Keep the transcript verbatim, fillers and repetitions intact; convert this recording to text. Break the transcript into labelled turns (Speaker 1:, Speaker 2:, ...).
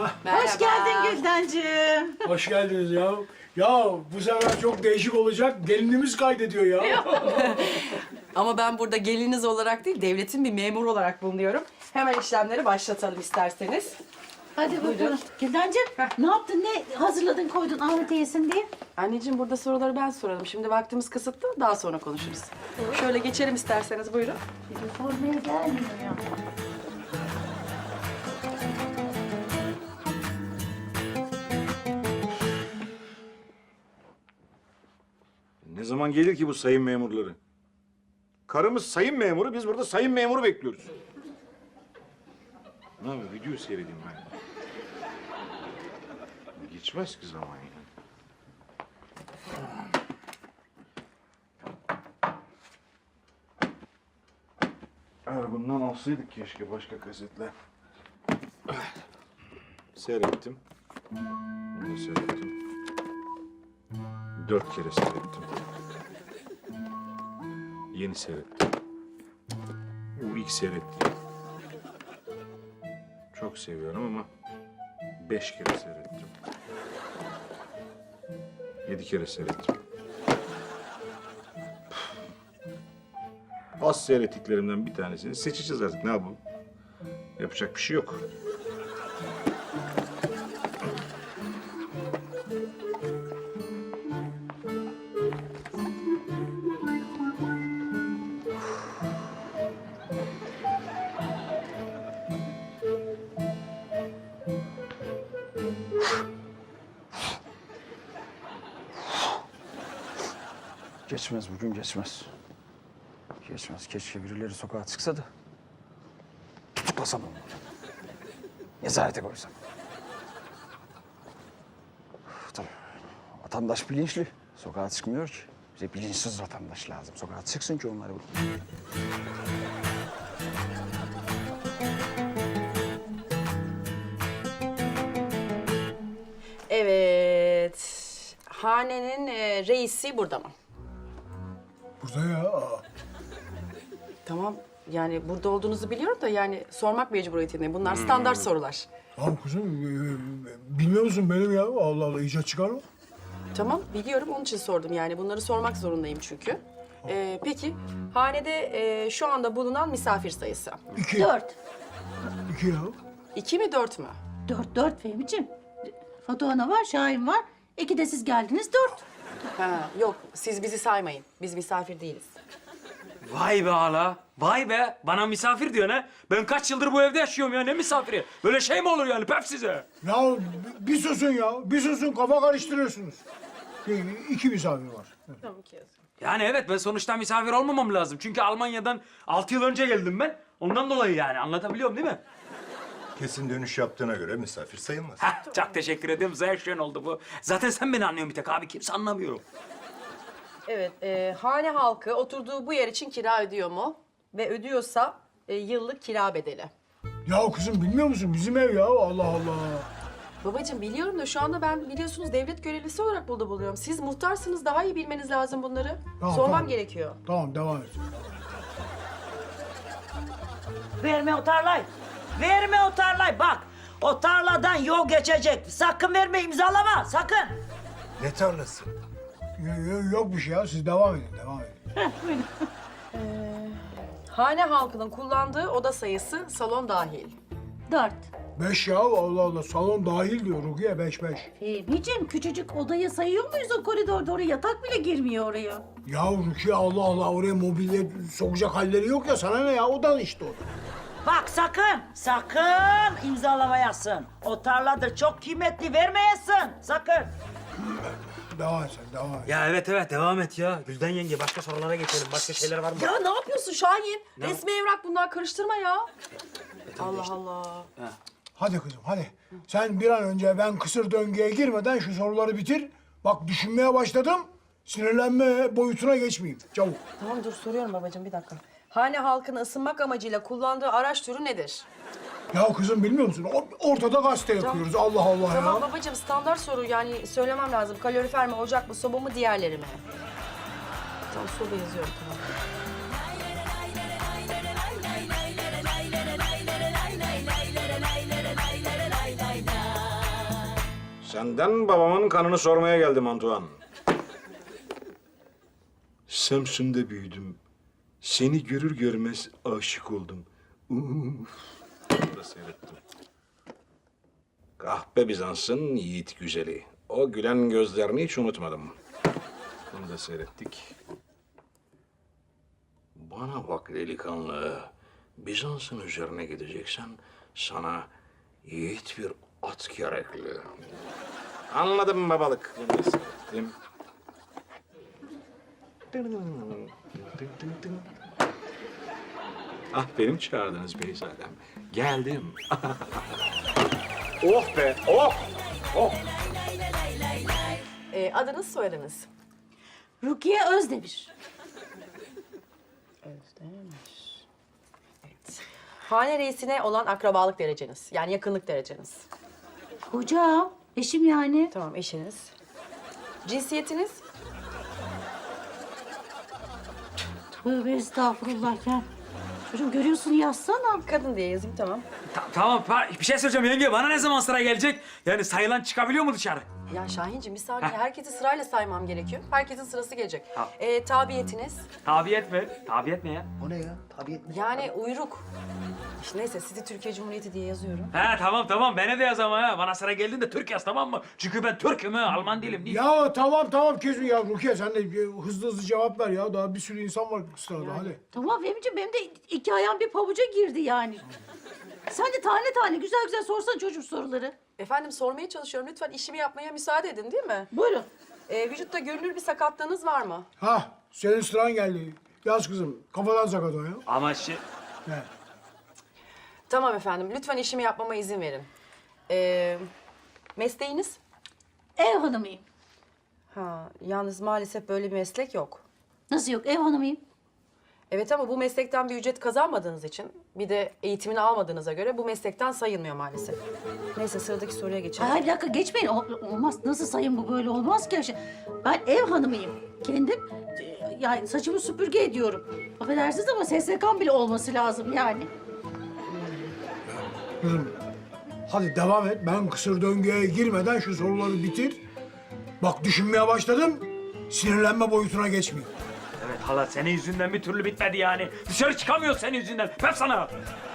Speaker 1: Merhaba.
Speaker 2: Hoş geldin Güldencim.
Speaker 3: Hoş geldiniz ya. Ya bu sefer çok değişik olacak. Gelinimiz kaydediyor ya.
Speaker 1: Ama ben burada geliniz olarak değil, devletin bir memuru olarak bulunuyorum. Hemen işlemleri başlatalım isterseniz.
Speaker 2: Hadi bakalım. Güldencim ne yaptın? Ne hazırladın koydun Ahmet'e yesin diye?
Speaker 1: Anneciğim burada soruları ben soralım. Şimdi vaktimiz kısıtlı, daha sonra konuşuruz. Şöyle geçelim isterseniz, buyurun.
Speaker 2: Sormaya gelmiyor ya.
Speaker 4: Ne zaman gelir ki bu sayın memurları? Karımız sayın memuru, biz burada sayın memuru bekliyoruz. Ne yapayım, video seyredeyim ben. Geçmez ki zaman yani. Eğer bundan alsaydık keşke başka kasetle. Seyrettim. Bunu da seyrettim. Dört kere seyrettim. Yeni seyrettim. Bu ilk seyrettiğim. Çok seviyorum ama beş kere seyrettim. Yedi kere seyrettim. Az seyrettiklerimden bir tanesini seçeceğiz artık. Ne yapalım? Yapacak bir şey yok.
Speaker 5: Geçmez bugün geçmez. Geçmez. Keşke birileri sokağa çıksa da tutuklasam onu. Nezarete koysam. Tabii vatandaş bilinçli. Sokağa çıkmıyor ki. Bize bilinçsiz vatandaş lazım. Sokağa çıksın ki onları bulun.
Speaker 1: Evet. Hanenin e, reisi burada mı?
Speaker 3: Burada ya. Aa.
Speaker 1: Tamam. Yani burada olduğunuzu biliyorum da yani sormak mecburiyetindeyim. Bunlar standart sorular.
Speaker 3: Tamam kızım. e, e, Bilmiyor musun benim ya? Allah Allah icat çıkarma.
Speaker 1: Tamam, biliyorum. Onun için sordum yani. Bunları sormak zorundayım çünkü. Ee, peki, hanede e, şu anda bulunan misafir sayısı?
Speaker 3: İki.
Speaker 2: Dört.
Speaker 3: İki ya.
Speaker 1: İki mi, dört mü?
Speaker 2: Dört, dört Fehmi'ciğim. Fatuhana var, Şahin var. İki de siz geldiniz, dört.
Speaker 1: Ha, yok, siz bizi saymayın. Biz misafir değiliz.
Speaker 6: Vay be hala. Vay be. Bana misafir diyorsun ha. Ben kaç yıldır bu evde yaşıyorum ya. Ne misafiri? Böyle şey mi olur yani pef size?
Speaker 3: Ya bir susun ya. Bir susun kafa karıştırıyorsunuz. E, İki misafir var.
Speaker 6: Yani evet ben sonuçta misafir olmamam lazım. Çünkü Almanya'dan altı yıl önce geldim ben. Ondan dolayı yani anlatabiliyorum değil mi?
Speaker 7: Kesin dönüş yaptığına göre misafir sayılmaz.
Speaker 6: Heh, çok teşekkür ederim. Sehr schön oldu bu. Zaten sen beni anlıyorsun bir tek abi. Kimse anlamıyor.
Speaker 1: Evet, e, hane halkı oturduğu bu yer için kira ödüyor mu? Ve ödüyorsa e, yıllık kira bedeli.
Speaker 3: Ya kızım bilmiyor musun? Bizim ev ya. Allah Allah.
Speaker 1: Babacığım biliyorum da şu anda ben biliyorsunuz devlet görevlisi olarak burada buluyorum. Siz muhtarsınız, daha iyi bilmeniz lazım bunları.
Speaker 3: Tamam,
Speaker 1: Sormam
Speaker 3: tamam.
Speaker 1: gerekiyor.
Speaker 3: Tamam devam et.
Speaker 8: Verme o tarlayı. Verme o tarlayı. Bak o tarladan yol geçecek. Sakın verme imzalama sakın.
Speaker 7: Ne tarlası?
Speaker 3: Yo- yo- Yok bir şey ya. Siz devam edin. Devam edin.
Speaker 1: Hane halkının kullandığı oda sayısı salon dahil.
Speaker 2: Dört.
Speaker 3: Beş ya. Allah Allah. Salon dahil diyor Rukiye. Beş beş.
Speaker 2: Fehmi'ciğim küçücük odayı sayıyor muyuz o koridorda? Oraya yatak bile girmiyor oraya.
Speaker 3: Ya Rukiye Allah Allah. Oraya mobilya sokacak halleri yok ya. Sana ne ya? Odan işte o da.
Speaker 8: Bak sakın sakın imzalamayasın. O tarladır çok kıymetli vermeyesin sakın.
Speaker 3: Devam et sen. Devam et.
Speaker 6: Ya evet evet devam et ya. Gülden yenge başka sorulara geçelim. Başka şeyler var mı?
Speaker 1: Ya ne yapıyorsun Şahin? Resmi evrak bunlar, karıştırma ya. Allah Allah.
Speaker 3: Hadi kızım hadi. Sen bir an önce ben kısır döngüye girmeden şu soruları bitir. Bak düşünmeye başladım. Sinirlenme boyutuna geçmeyeyim. Çabuk.
Speaker 1: Tamam dur soruyorum babacığım bir dakika. Hane halkını ısınmak amacıyla kullandığı araç türü nedir?
Speaker 3: Ya kızım bilmiyor musun? O- Ortada gazete yapıyoruz. Allah Allah
Speaker 1: Tamam
Speaker 3: ya.
Speaker 1: babacığım standart soru yani söylemem lazım. Kalorifer mi, ocak mı, soba mı, diğerleri mi? Tamam soba yazıyorum tamam.
Speaker 4: Senden babamın kanını sormaya geldim Antoine. Samsun'da büyüdüm. Seni görür görmez aşık oldum. Uf. Bunu da seyrettim. Kahpe Bizans'ın yiğit güzeli. O gülen gözlerini hiç unutmadım. Bunu da seyrettik. Bana bak delikanlı. Bizans'ın üzerine gideceksen sana yiğit bir at gerekli. Anladım babalık. Bunu da seyrettim. Ah benim çağırdınız beyzadem. Geldim. Oh be, oh! Oh!
Speaker 1: Ee, adınız, soyadınız?
Speaker 2: Rukiye Özdemir.
Speaker 1: Hane reisine olan akrabalık dereceniz. Yani yakınlık dereceniz.
Speaker 2: Hocam, eşim yani.
Speaker 1: Tamam, eşiniz. Cinsiyetiniz?
Speaker 2: Tövbe estağfurullah ya. Çocuğum görüyorsun yazsana.
Speaker 1: Kadın diye yazayım, tamam.
Speaker 6: Ta- tamam pa- bir şey söyleyeceğim yenge. Bana ne zaman sıra gelecek? Yani sayılan çıkabiliyor mu dışarı?
Speaker 1: Ya Şahinciğim bir saniye. Herkesi sırayla saymam gerekiyor. Herkesin sırası gelecek.
Speaker 6: Ha.
Speaker 1: Ee, tabiyetiniz?
Speaker 6: Tabiyet mi? Tabiyet ne ya?
Speaker 5: O ne ya? Tabii.
Speaker 1: Yani uyruk. İşte neyse sizi Türkiye Cumhuriyeti diye yazıyorum.
Speaker 6: He tamam tamam bana de yaz ama ha. Bana sıra geldiğinde Türk yaz tamam mı? Çünkü ben Türk'üm ha. Alman değilim değil.
Speaker 3: Ya tamam tamam kesin ya Rukiye sen de e, hızlı hızlı cevap ver ya. Daha bir sürü insan var sırada hadi.
Speaker 2: Tamam Fehmi'ciğim benim de iki ayağım bir pabuca girdi yani. Sen de tane tane güzel güzel sorsan çocuk soruları.
Speaker 1: Efendim sormaya çalışıyorum. Lütfen işimi yapmaya müsaade edin değil mi?
Speaker 2: Buyurun.
Speaker 1: Ee, vücutta görünür bir sakatlığınız var mı?
Speaker 3: Ha senin sıran geldi. Yaz kızım kafadan sakat o ya.
Speaker 6: Ama şey...
Speaker 3: He.
Speaker 1: Tamam efendim. Lütfen işimi yapmama izin verin. Ee, mesleğiniz?
Speaker 2: Ev hanımıyım.
Speaker 1: Ha, yalnız maalesef böyle bir meslek yok.
Speaker 2: Nasıl yok ev hanımıyım?
Speaker 1: Evet ama bu meslekten bir ücret kazanmadığınız için, bir de eğitimini almadığınıza göre bu meslekten sayılmıyor maalesef. Neyse sıradaki soruya geçelim.
Speaker 2: Ay bir dakika geçmeyin. O- olmaz. Nasıl sayın bu böyle olmaz ki. Ben ev hanımıyım. Kendim e, yani saçımı süpürge ediyorum. Affedersiniz ama S S K'm bile olması lazım yani.
Speaker 3: Kızım hadi devam et. Ben kısır döngüye girmeden şu soruları bitir. Bak düşünmeye başladım. Sinirlenme boyutuna geçmeyeyim.
Speaker 6: Evet hala senin yüzünden bir türlü bitmedi yani. Dışarı çıkamıyor senin yüzünden. Hep sana.